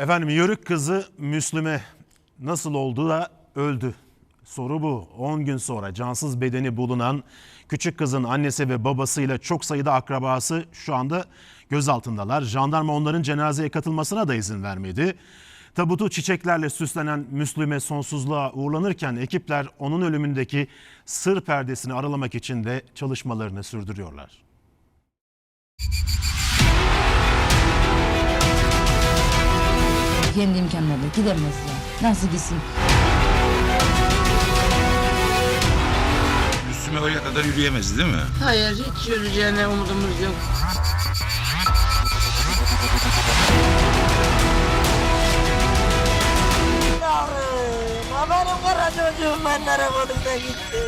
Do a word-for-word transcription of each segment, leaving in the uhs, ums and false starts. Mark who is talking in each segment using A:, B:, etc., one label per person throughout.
A: Efendim Yörük kızı Müslüme nasıl oldu da öldü? Soru bu. on gün sonra cansız bedeni bulunan küçük kızın annesi ve babasıyla çok sayıda akrabası şu anda gözaltındalar. Jandarma onların cenazeye katılmasına da izin vermedi. Tabutu çiçeklerle süslenen Müslüme sonsuzluğa uğurlanırken ekipler onun ölümündeki sır perdesini aralamak için de çalışmalarını sürdürüyorlar.
B: Kendi imkanlarıyla gidemez ya. Nasıl gitsin?
C: Müslüme oraya kadar yürüyemez değil mi?
D: Hayır, hiç yürüyeceğine umudumuz yok. Yavrum, benim kara çocuğum ben nereye koydum da gitti.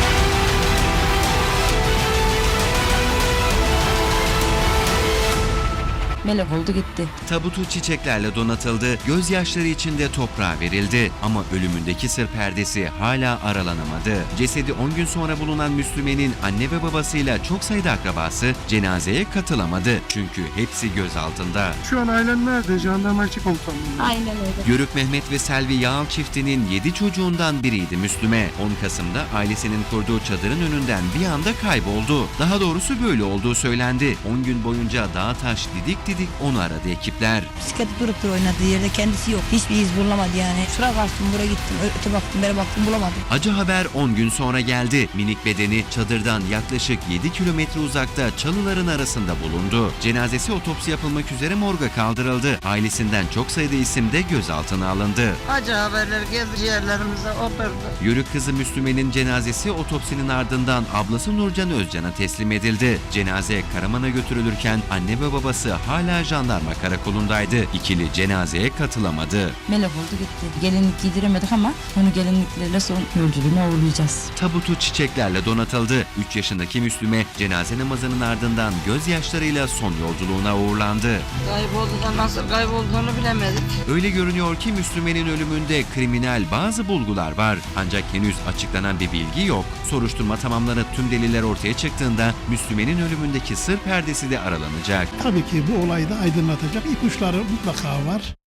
B: Melek oldu gitti.
E: Tabutu çiçeklerle donatıldı, gözyaşları içinde toprağa verildi. Ama ölümündeki sır perdesi hala aralanamadı. Cesedi on gün sonra bulunan Müslüme'nin anne ve babasıyla çok sayıda akrabası cenazeye katılamadı. Çünkü hepsi gözaltında.
F: Şu an ailen nerede? Jandarmacı komutanlığı.
B: Aynen öyle.
E: Yörük Mehmet ve Selvi Yağal çiftinin yedi çocuğundan biriydi Müslüme. on Kasım'da ailesinin kurduğu çadırın önünden bir anda kayboldu. Daha doğrusu böyle olduğu söylendi. on gün boyunca dağ taş didik didik onu aradı ekipler.
B: Bisikleti durup da oynadığı yerde kendisi yok. Hiçbir iz bulamadı yani. Şuraya kaçtım, buraya gittim, öte baktım, beri baktım, bulamadım.
E: Acı haber on gün sonra geldi. Minik bedeni çadırdan yaklaşık yedi kilometre uzakta çalıların arasında bulundu. Cenazesi otopsi yapılmak üzere morga kaldırıldı. Ailesinden çok sayıda isim de gözaltına alındı.
D: Acı haberler geldi ciğerlerimize oturdu.
E: Yörük kızı Müslüme'nin cenazesi otopsinin ardından ablası Nurcan Özcan'a teslim edildi. Cenaze Karaman'a götürülürken anne ve babası hala jandarma karakolundaydı. İkili cenazeye katılamadı.
B: Melek oldu gitti. Gelinlik giydiremedik ama onu gelinliklerle son yolculuğuna uğurlayacağız.
E: Tabutu çiçeklerle donatıldı. üç yaşındaki Müslüme cenaze namazının ardından gözyaşlarıyla son yolculuğuna uğurlandı.
D: Kayboldu da nasıl kaybolduğunu bilemedik.
E: Öyle görünüyor ki Müslüme'nin ölümünde kriminal bazı bulgular var. Ancak henüz açıklanan bir bilgi yok. Soruşturma tamamlanıp tüm deliller ortaya çıktığında Müslüme'nin ölümündeki sır perdesi de aralanacak.
F: Tabii ki bu olayı da aydınlatacak ipuçları mutlaka var.